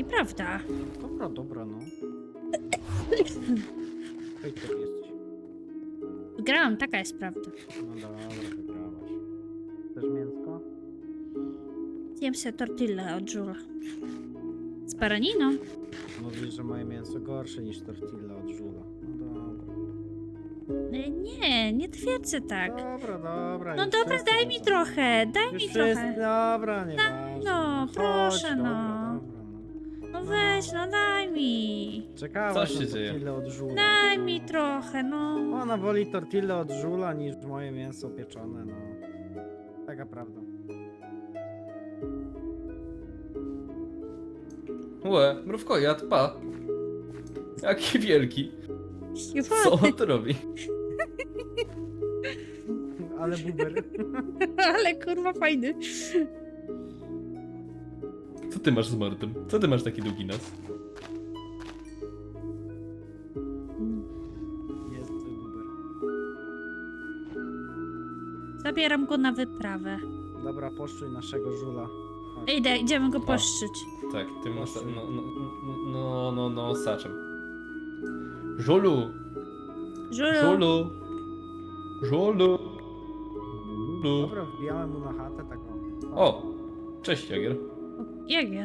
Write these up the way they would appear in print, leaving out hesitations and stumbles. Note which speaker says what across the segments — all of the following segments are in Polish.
Speaker 1: prawda.
Speaker 2: Dobra, no. Hejter jesteś.
Speaker 1: Wygrałam, taka jest prawda.
Speaker 2: No dobra, wygrałaś. Chcesz mięsko?
Speaker 1: Zjem se tortillę od żula. Z baraniną.
Speaker 2: Mówisz, że moje mięso gorsze niż tortilla od żula. No dobra.
Speaker 1: Nie twierdzę tak.
Speaker 2: Dobra.
Speaker 1: No
Speaker 2: już
Speaker 1: dobra,
Speaker 2: wszyscy
Speaker 1: daj
Speaker 2: wiedzą.
Speaker 1: mi trochę, daj
Speaker 2: Już
Speaker 1: mi
Speaker 2: wszyscy,
Speaker 1: trochę.
Speaker 2: dobra, nieważne.
Speaker 1: no,
Speaker 2: Chodź,
Speaker 1: proszę, no.
Speaker 2: Dobra,
Speaker 1: No weź, no daj mi.
Speaker 2: Czekałaś
Speaker 3: Co
Speaker 2: na
Speaker 3: się dzieje?
Speaker 2: tortillę od żula.
Speaker 1: Daj mi trochę, no.
Speaker 2: Ona woli tortillę od żula niż moje mięso pieczone, no. Taka prawda.
Speaker 3: Łe, mrówkojad, pa. Jaki wielki. Co on tu robi?
Speaker 2: Ale buber.
Speaker 1: Ale kurwa fajny.
Speaker 3: Co ty masz z mordem? Co ty masz taki długi nos?
Speaker 2: Jest buber.
Speaker 1: Zabieram go na wyprawę.
Speaker 2: Dobra, poszczuj naszego żula. Chodź.
Speaker 1: Idziemy go poszczyć.
Speaker 3: Tak, tym saczem. Żulu!
Speaker 1: Żulu.
Speaker 3: Żulu! Żulu! Żulu!
Speaker 2: Dobra, wbijałem mu na chatę taką.
Speaker 3: O! Cześć, Jagier.
Speaker 1: Jagier.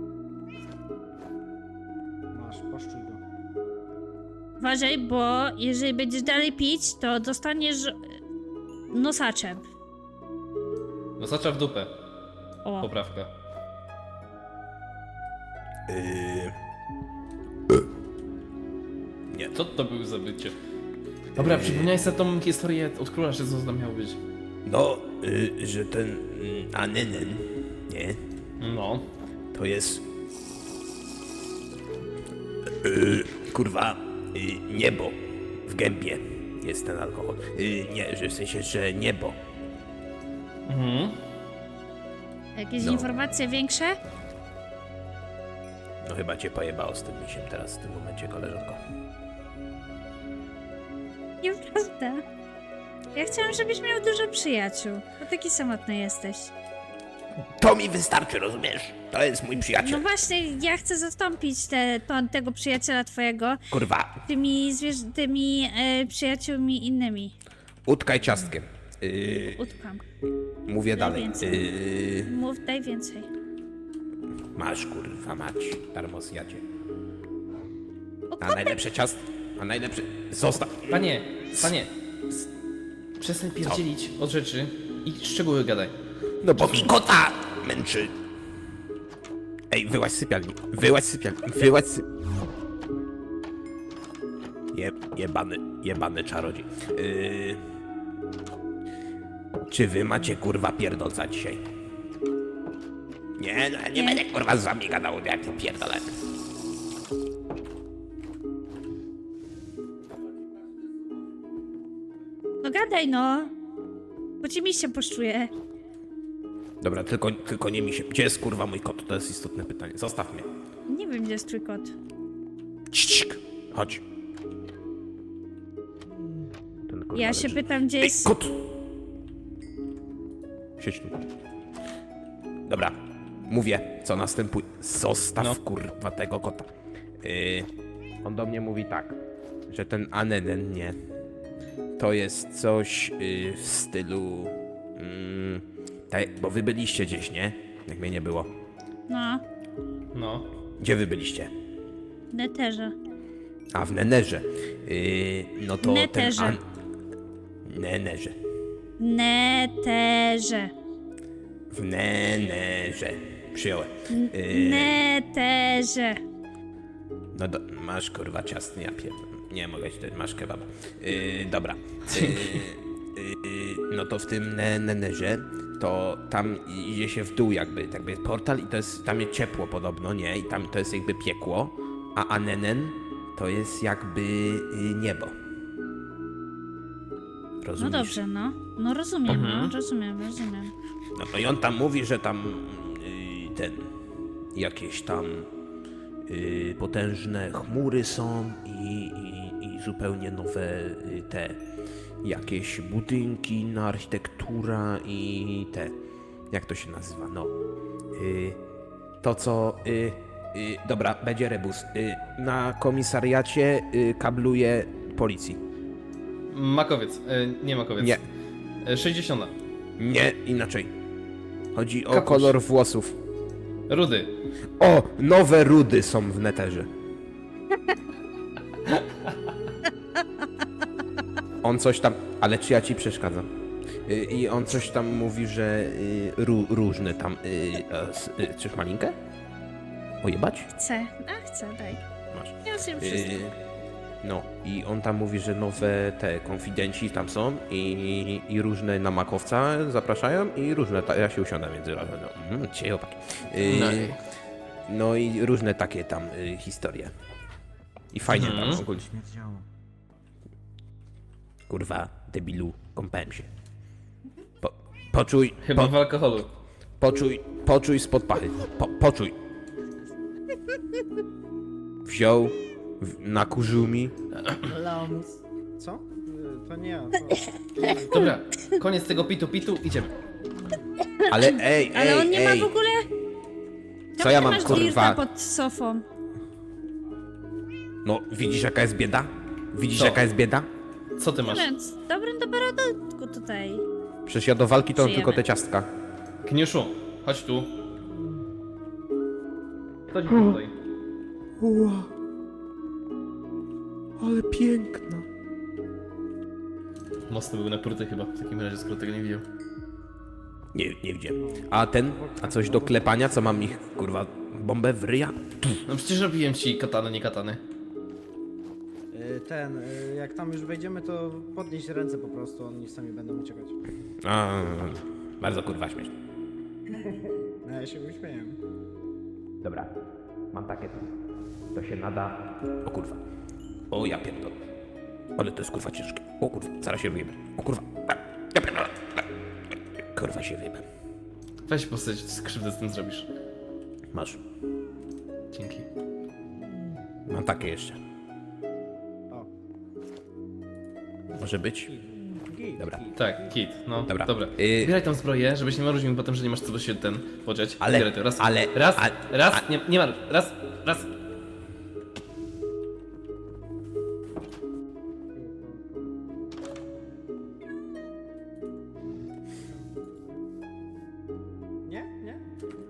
Speaker 2: Masz, poszczuj go.
Speaker 1: Uważaj, bo jeżeli będziesz dalej pić, to dostaniesz nosaczem.
Speaker 3: No sacza w dupę.
Speaker 1: O.
Speaker 3: Poprawka. Nie, co to był za bycie? Dobra, przypomniałeś sobie tą historię od króla, że co tam miało być.
Speaker 4: No, że ten Anenen, nie,
Speaker 3: No.
Speaker 4: to jest kurwa niebo w gębie jest ten alkohol. Nie, że w sensie, że niebo.
Speaker 3: Mhm.
Speaker 1: Jakieś
Speaker 4: No.
Speaker 1: informacje większe?
Speaker 4: No chyba cię pojebało z tym misiem teraz w tym momencie, koleżanko.
Speaker 1: Nieprawda. Ja chciałam, żebyś miał dużo przyjaciół. Bo taki samotny jesteś.
Speaker 4: To mi wystarczy, rozumiesz? To jest mój
Speaker 1: No
Speaker 4: przyjaciel.
Speaker 1: właśnie, ja chcę zastąpić tego przyjaciela twojego
Speaker 4: Kurwa,
Speaker 1: tymi przyjaciółmi innymi.
Speaker 4: utkaj ciastkiem.
Speaker 1: Utkam.
Speaker 4: Mówię
Speaker 1: Daj
Speaker 4: dalej.
Speaker 1: więcej. Mów, daj więcej.
Speaker 4: Masz kurwa mać, darmozjadzie.
Speaker 1: O,
Speaker 4: A najlepsze ciast... A najlepsze... Zostaw.
Speaker 3: Panie, przestań pierdzielić od rzeczy i szczegóły gadaj.
Speaker 4: No bo mi kota męczy. Ej, wyłaź z sypialni. Jebany czarodziej. Czy wy macie kurwa pierdolca dzisiaj? Nie, no ja nie będę kurwa z wami gadał, jak to pierdolę.
Speaker 1: No gadaj no. Bo ci miś się poszczuje.
Speaker 4: Dobra, tylko nie mi się. Gdzie jest kurwa mój kot? To jest istotne pytanie. Zostaw mnie.
Speaker 1: Nie wiem, gdzie jest twój kot.
Speaker 4: Cik, chodź. Ten kurwa
Speaker 1: Ja się
Speaker 4: leży.
Speaker 1: pytam, gdzie
Speaker 4: Ej,
Speaker 1: jest...
Speaker 4: kot! Siedź tu. Dobra, mówię, co następuje. Zostaw
Speaker 3: No.
Speaker 4: kurwa tego kota. On do mnie mówi tak, że ten Anenen, nie, to jest coś w stylu... bo wy byliście gdzieś, nie? Jak mnie nie było.
Speaker 1: No,
Speaker 3: No.
Speaker 4: Gdzie wy byliście?
Speaker 1: w neterze.
Speaker 4: A, w Nenerze. No to
Speaker 1: Neterze.
Speaker 4: ten... Nenerze.
Speaker 1: Neterze.
Speaker 4: W Nenerze. Przyjąłem.
Speaker 1: Neterze.
Speaker 4: No masz kurwa ciasny, ja nie mogę ci dać, masz kebab. Dobra. No to w tym Nenerze, to tam idzie się w dół jakby jest portal i to jest, tam jest ciepło podobno, nie? I tam to jest jakby piekło, a Anenen to jest jakby niebo.
Speaker 1: No
Speaker 4: Rozumiesz?
Speaker 1: dobrze, no. No rozumiem,
Speaker 3: Mhm.
Speaker 1: no, rozumiem.
Speaker 4: No i on tam mówi, że tam jakieś tam potężne chmury są i zupełnie nowe te jakieś budynki, no, architektura i te, jak to się nazywa, no to co Dobra, będzie rebus. Na komisariacie kabluje policji.
Speaker 3: Makowiec. Nie makowiec.
Speaker 4: Nie.
Speaker 3: 60.
Speaker 4: Nie, inaczej. Chodzi o
Speaker 3: Kapuś.
Speaker 4: kolor włosów.
Speaker 3: Rudy.
Speaker 4: O, nowe rudy są w neterze. On coś tam, ale czy ja ci przeszkadzam? I on coś tam mówi, że różne tam... Chcesz malinkę? Ojebać?
Speaker 1: Chcę. A, chcę, daj.
Speaker 4: Masz.
Speaker 1: Ja zjem wszystko.
Speaker 4: No, i on tam mówi, że nowe te konfidenci tam są i różne na makowca zapraszają i różne, ja się usiądę między razem, no, dzisiaj chłopaki. No i różne takie tam historie. I fajnie tam ogólnie.
Speaker 2: Śmierdziało.
Speaker 4: Kurwa, debilu, kąpałem się. Poczuj,
Speaker 3: Chyba w alkoholu.
Speaker 4: poczuj spod pachy. Poczuj. Wziął, nakurzył mi.
Speaker 2: Lams. Co? To nie ja.
Speaker 3: Dobra, koniec tego pitu, idziemy.
Speaker 4: Ale ej,
Speaker 1: Ale on nie ma
Speaker 4: ej.
Speaker 1: w ogóle...
Speaker 4: Co ja
Speaker 1: Czemu
Speaker 4: mam,
Speaker 1: ty masz
Speaker 4: kurwa?
Speaker 1: dirta pod sofą?
Speaker 4: No, widzisz jaka jest bieda? Widzisz
Speaker 3: Co?
Speaker 4: jaka jest bieda?
Speaker 3: Co ty masz?
Speaker 1: Więc dobrym temperaturku tutaj.
Speaker 4: Przecież ja do walki to mam
Speaker 1: Żyjemy.
Speaker 4: tylko te ciastka.
Speaker 3: Kniuszu, chodź tu. Chodź tutaj.
Speaker 4: Ua. Ale piękna.
Speaker 3: Mocno był napruty chyba, w takim razie, skoro tego nie widział.
Speaker 4: Nie widziałem. A coś do klepania? Co mam ich, kurwa, bombę w ryja?
Speaker 3: No przecież robiłem ci katany, nie katany.
Speaker 2: Jak tam już wejdziemy, to podnieść ręce po prostu, oni sami będą uciekać.
Speaker 4: A, bardzo kurwa śmieszne.
Speaker 2: No, ja się uśmieję.
Speaker 4: Dobra, mam takie to. To się nada... O kurwa. O ja pierdolę. Ale to jest kurwa ciężkie. O kurwa, zaraz się wyjebę. O kurwa. Ja pierdolę. Kurwa się wyjebę.
Speaker 3: Weź postać, skrzywdę z tym zrobisz.
Speaker 4: Masz.
Speaker 3: Dzięki.
Speaker 4: Mam takie jeszcze.
Speaker 2: O.
Speaker 4: Może być? Dobra.
Speaker 3: Tak, kit, no.
Speaker 4: Dobra.
Speaker 3: Dobra. Zbieraj tam zbroję, żebyś nie marudził mi potem, że nie masz co się podziać.
Speaker 4: Ale-
Speaker 3: Zbieraj to. Raz,
Speaker 4: ale-
Speaker 3: raz,
Speaker 4: a-
Speaker 3: raz,
Speaker 4: a-
Speaker 3: nie ma, raz.
Speaker 2: Nie? Nie?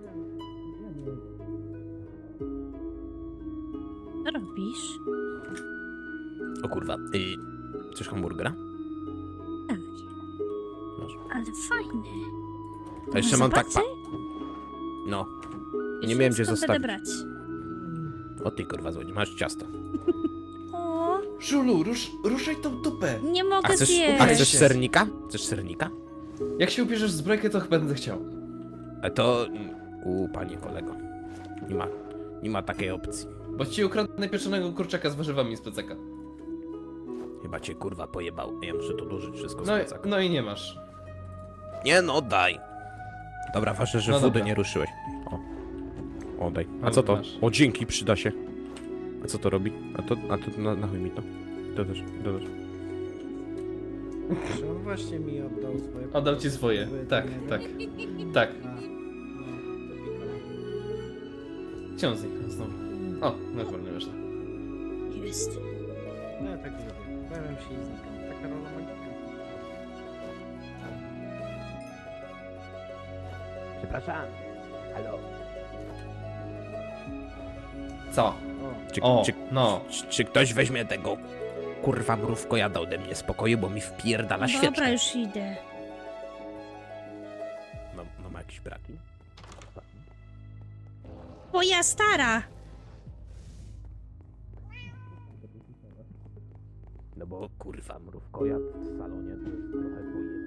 Speaker 1: Co robisz?
Speaker 4: O kurwa. Chcesz hamburgera?
Speaker 1: Tak.
Speaker 4: Masz.
Speaker 1: Ale fajny.
Speaker 4: A jeszcze mam tak...
Speaker 1: Zobaczy?
Speaker 4: No.
Speaker 1: Już
Speaker 4: Nie miałem gdzie
Speaker 1: skąd
Speaker 4: zostawić.
Speaker 1: będę brać.
Speaker 4: O ty kurwa złodziej, masz ciasto.
Speaker 1: O,
Speaker 3: Żulu, ruszaj tą dupę.
Speaker 1: nie mogę
Speaker 4: A chcesz
Speaker 1: zjeść.
Speaker 4: sernika? Chcesz sernika?
Speaker 3: Jak się ubierzesz w zbrojkę, to chyba będę chciał.
Speaker 4: A to... panie kolego. Nie ma takiej opcji.
Speaker 3: Bo ci ukradnę pieczonego kurczaka z warzywami z plecaka.
Speaker 4: Chyba cię kurwa pojebał. Ja muszę to dożyć wszystko z
Speaker 3: No,
Speaker 4: plecaka.
Speaker 3: no i nie masz.
Speaker 4: Nie no, daj. Dobra, ważne, że
Speaker 3: No
Speaker 4: wody
Speaker 3: dobra.
Speaker 4: nie ruszyłeś. O. Oddaj. A
Speaker 3: No,
Speaker 4: co to?
Speaker 3: masz.
Speaker 4: O, dzięki, przyda się. A co to robi? A to na chuj mi to. To też.
Speaker 2: Czy on właśnie mi oddał swoje...
Speaker 3: Oddał ci swoje.
Speaker 2: Wy to
Speaker 3: Tak,
Speaker 2: nie
Speaker 3: tak.
Speaker 2: wiem?
Speaker 3: Tak.
Speaker 2: A, no, to pikam.
Speaker 3: Gdzie on zniknął znowu? O, no chyba nie ważne.
Speaker 1: Jest.
Speaker 2: No ja tak lubię. Bawiam się i znikam. Taka rola magika.
Speaker 4: Przepraszam. Halo.
Speaker 3: Co?
Speaker 2: O,
Speaker 3: O,
Speaker 4: Czy,
Speaker 3: no.
Speaker 4: czy ktoś weźmie tego kurwa mrówko jada ode mnie spokoju, bo mi wpierdala świeczkę.
Speaker 1: Dobra, już idę.
Speaker 4: No ma jakieś braki?
Speaker 1: Moja stara!
Speaker 4: No bo kurwa mrówko jad w salonie to jest trochę pojemne.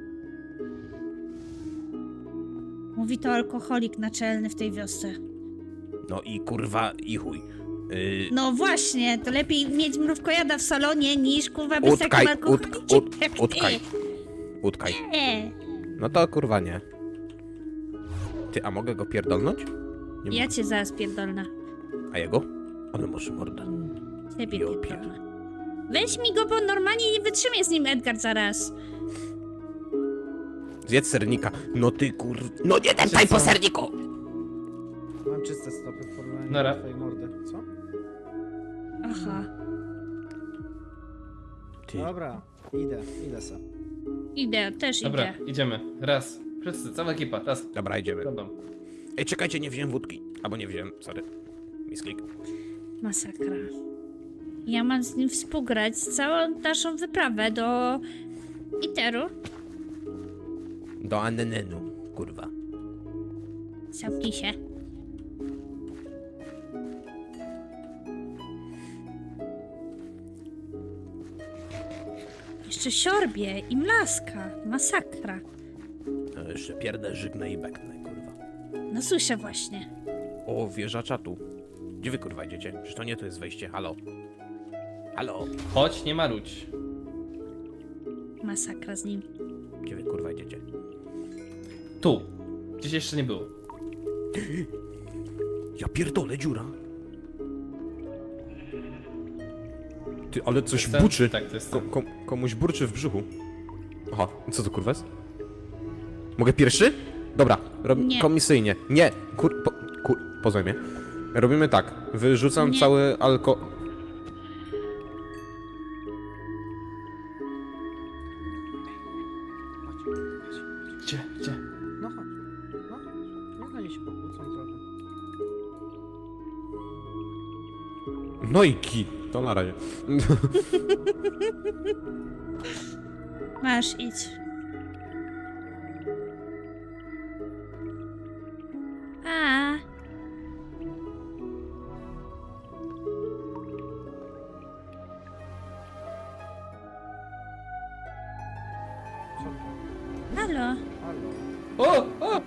Speaker 1: Mówi to alkoholik naczelny w tej wiosce.
Speaker 4: No i kurwa i chuj.
Speaker 1: No właśnie, to lepiej mieć mrówkojada w salonie niż kurwa być takim alkoholikiem jak ty.
Speaker 4: Utkaj.
Speaker 1: Nie.
Speaker 4: No to kurwa nie. Ty, a mogę go pierdolnąć? Nie
Speaker 1: Ja
Speaker 4: mogę.
Speaker 1: cię zaraz pierdolna.
Speaker 4: A jego? Ale może morda.
Speaker 1: Ciebie
Speaker 4: Ja
Speaker 1: pierdolna. Weź mi go, bo normalnie nie wytrzymie z nim Edgar zaraz.
Speaker 4: Zjedz sernika. No ty kur... No nie dępaj po serniku!
Speaker 2: mam mam czyste stopy w porównaniu
Speaker 3: Nara.
Speaker 2: do twojej mordy. Co?
Speaker 1: Aha.
Speaker 4: Ty.
Speaker 2: Dobra, idę se.
Speaker 1: Idę, też
Speaker 3: Dobra,
Speaker 1: idę.
Speaker 3: idziemy. Raz. Wszyscy, cała ekipa, raz.
Speaker 4: Dobra, idziemy.
Speaker 3: Będą.
Speaker 4: Ej, czekajcie, nie wziąłem wódki. Albo nie wziąłem, sorry. Misklik.
Speaker 1: Masakra. Ja mam z nim współgrać całą naszą wyprawę do Iteru.
Speaker 4: Do Annenenu, kurwa.
Speaker 1: Zamknij się. Jeszcze siorbie i mlaska. Masakra.
Speaker 4: No, jeszcze pierdę, żygnę i beknę, kurwa.
Speaker 1: No słyszę właśnie.
Speaker 4: O, wieża czatu. Gdzie wy, kurwa, idziecie? Przecież to nie to jest wejście, halo. Halo.
Speaker 3: Chodź, nie marudź.
Speaker 1: Masakra z nim.
Speaker 4: Gdzie wy, kurwa, idziecie?
Speaker 3: Tu. Gdzieś jeszcze nie było.
Speaker 4: Ja pierdolę, dziura. Ty, ale coś
Speaker 3: Ten?
Speaker 4: buczy.
Speaker 3: Tak, to jest ten.
Speaker 4: Komuś burczy w brzuchu. Aha, co to kurwa jest? Mogę pierwszy? Dobra,
Speaker 1: Nie.
Speaker 4: komisyjnie. Nie, pozwól mnie. Robimy tak, wyrzucam
Speaker 1: Nie.
Speaker 4: cały
Speaker 3: Gdzie? Gdzie?
Speaker 2: No chodź. No chodź. Niech oni się pokłócą trochę.
Speaker 4: No i ki, to na razie.
Speaker 1: Masz, idź. A.
Speaker 2: Co to?
Speaker 1: Halo.
Speaker 2: Halo.
Speaker 3: O! O!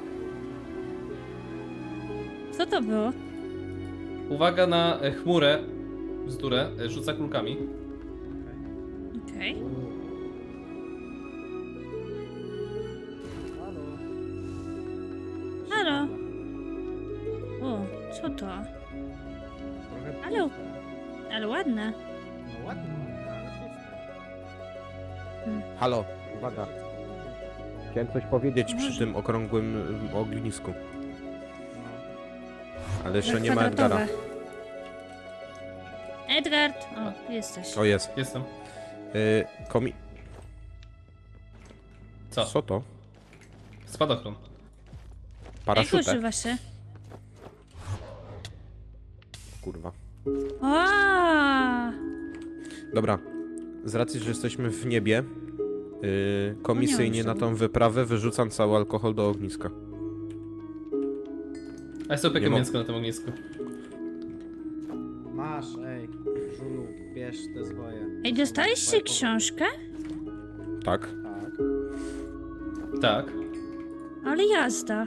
Speaker 1: Co to było?
Speaker 3: Uwaga na chmurę. Bzdurę. Rzuca kulkami.
Speaker 2: Okej.
Speaker 1: Okej.
Speaker 2: Halo.
Speaker 1: Halo. O, co to?
Speaker 2: Trochę
Speaker 1: Halo.
Speaker 2: puste.
Speaker 1: Ale ładne.
Speaker 2: No ładnie, ale puste.
Speaker 4: Halo, uwaga. Chciałem coś powiedzieć przy tym okrągłym ognisku.
Speaker 2: No.
Speaker 4: Ale jeszcze nie ma Edgara.
Speaker 1: Kwadratowe. Edgard! O, jesteś.
Speaker 4: O, jest.
Speaker 3: Jestem. Co?
Speaker 4: Co to?
Speaker 3: Spadochron.
Speaker 1: Jak
Speaker 4: Paraszutę.
Speaker 1: używa się?
Speaker 4: Kurwa.
Speaker 1: O!
Speaker 4: Dobra, z racji, że jesteśmy w niebie, komisyjnie
Speaker 1: No nie
Speaker 4: na tą wyprawę wyrzucam cały alkohol do ogniska.
Speaker 3: A ja sobie
Speaker 4: Nie
Speaker 3: opiekę
Speaker 4: mam.
Speaker 3: mięsko na tym ognisku.
Speaker 2: Masz, ej. Żulu, bierz te zwoje.
Speaker 1: Ej, dostaliście książkę?
Speaker 4: Tak?
Speaker 2: Tak.
Speaker 3: Tak.
Speaker 1: Ale jazda.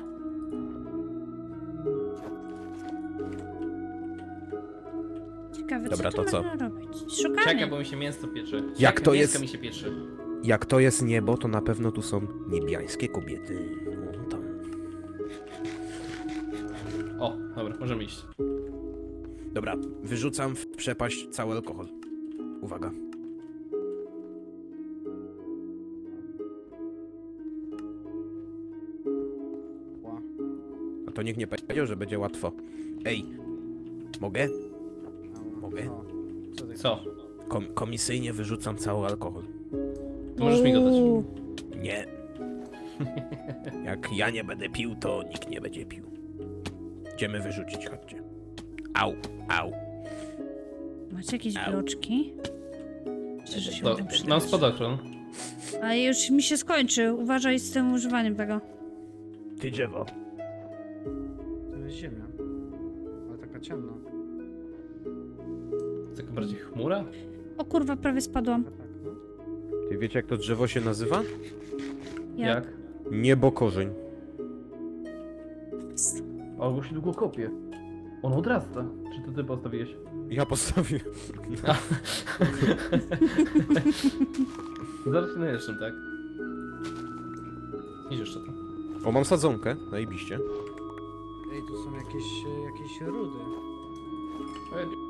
Speaker 1: Ciekawe,
Speaker 4: Dobra,
Speaker 1: co tu
Speaker 4: to co?
Speaker 1: można robić? Szukamy.
Speaker 3: Czekaj, bo mi się mięso pieczy.
Speaker 4: Jak
Speaker 3: Czekaj,
Speaker 4: to
Speaker 3: mięsko
Speaker 4: jest?
Speaker 3: mi się pieczy.
Speaker 4: Jak to jest niebo, to na pewno tu są niebiańskie kobiety. No, tam.
Speaker 3: O, dobra, możemy iść.
Speaker 4: Dobra, wyrzucam w przepaść cały alkohol. Uwaga.
Speaker 2: Ła.
Speaker 4: A to nikt nie powiedział, że będzie łatwo. Ej, mogę?
Speaker 2: Ała.
Speaker 4: Mogę?
Speaker 2: O, co ty
Speaker 3: Co?
Speaker 2: chcesz?
Speaker 4: Komisyjnie wyrzucam cały alkohol.
Speaker 3: To możesz mi go dać.
Speaker 1: Uuu.
Speaker 4: Nie. Jak ja nie będę pił, to nikt nie będzie pił. Idziemy wyrzucić, chodźcie. Au, au.
Speaker 1: Macie jakieś
Speaker 4: Au.
Speaker 1: bloczki? Myślę, że się
Speaker 3: To,
Speaker 1: mogą
Speaker 3: mam
Speaker 1: przydać.
Speaker 3: spadochron.
Speaker 1: A już mi się skończy. Uważaj z tym używaniem tego.
Speaker 4: Ty drzewo.
Speaker 2: To jest ziemia. Ale taka ciemna.
Speaker 3: Taka bardziej chmura?
Speaker 1: O kurwa, prawie spadłam.
Speaker 2: Tak, no.
Speaker 4: Ty wiecie, jak to drzewo się nazywa?
Speaker 3: Jak?
Speaker 4: Niebokorzeń.
Speaker 3: O, bo się długo kopie. On odrasta. Czy to ty postawiłeś?
Speaker 4: Ja postawiłem.
Speaker 3: Zaraz się najeżdżam, tak? Idź jeszcze to.
Speaker 4: O, mam sadzonkę, zajebiście.
Speaker 2: Ej, tu są jakieś rudy.
Speaker 3: O, ja nie-